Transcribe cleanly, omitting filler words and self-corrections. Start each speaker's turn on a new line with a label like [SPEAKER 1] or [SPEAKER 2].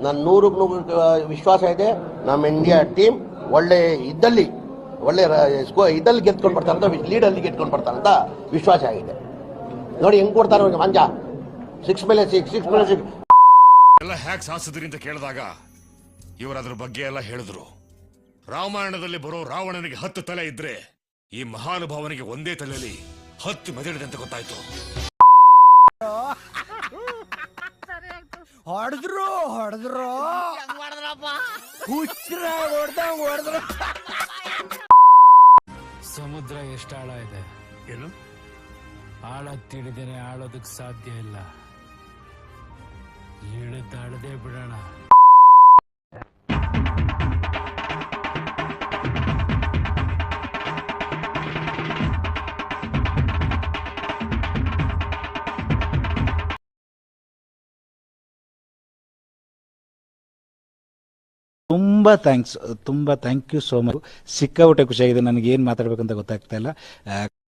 [SPEAKER 1] ನಾನು 100% ವಿಶ್ವಾಸ ಇದೆ. ನಮ್ಮ ಇಂಡಿಯಾ ಟೀಮ್ ಒಳ್ಳೆ ಇದ್ದಲ್ಲಿ ಗೆದ್ಕೊಂಡು ಬರ್ತಾರಂತ, ಲೀಡಲ್ಲಿ ಗೆದ್ಕೊಂಡು ಬರ್ತಾರಂತ ವಿಶ್ವಾಸ ಆಗಿದೆ. ನೋಡಿ ಹೆಂಗ್ ಕೊಡ್ತಾರೆ ಅವ್ರಿಗೆ ಮಂಜ, 6 ಮೇಲೆ 6
[SPEAKER 2] ಎಲ್ಲ ಹ್ಯಾಕ್ ಸಾಧಿಸಿದ್ರಿ ಅಂತ ಕೇಳಿದಾಗ ಇವರು ಅದ್ರ ಬಗ್ಗೆ ಎಲ್ಲ ಹೇಳಿದ್ರು. ರಾಮಾಯಣದಲ್ಲಿ ಬರೋ ರಾವಣನಿಗೆ 10 ತಲೆ ಇದ್ರೆ ಈ ಮಹಾನುಭಾವನಿಗೆ ಒಂದೇ ತಲೆಯಲ್ಲಿ 10 ಮೆದಳಿದೆ ಅಂತ ಗೊತ್ತಾಯ್ತು.
[SPEAKER 3] ಹೊಡೆದ್ರು
[SPEAKER 4] ಸಮುದ್ರ ಎಷ್ಟು ಆಳ ಇದೆ?
[SPEAKER 2] ಏನು
[SPEAKER 4] ಆಳ ತಿಳಿದೇನೆ ಆಳೋದಕ್ಕೆ ಸಾಧ್ಯ ಇಲ್ಲ. ಇಳಿದಾಳದೆ ಬಿಡೋಣ.
[SPEAKER 5] ತುಂಬ ಥ್ಯಾಂಕ್ ಯು ಸೋ ಮಚ್. ಸಿಕ್ಕಾಪಟ್ಟೆ ಖುಷಿಯಾಗಿದೆ. ನನಗೆ ಏನು ಮಾತಾಡ್ಬೇಕಂತ ಗೊತ್ತಾಗ್ತಾ ಇಲ್ಲ.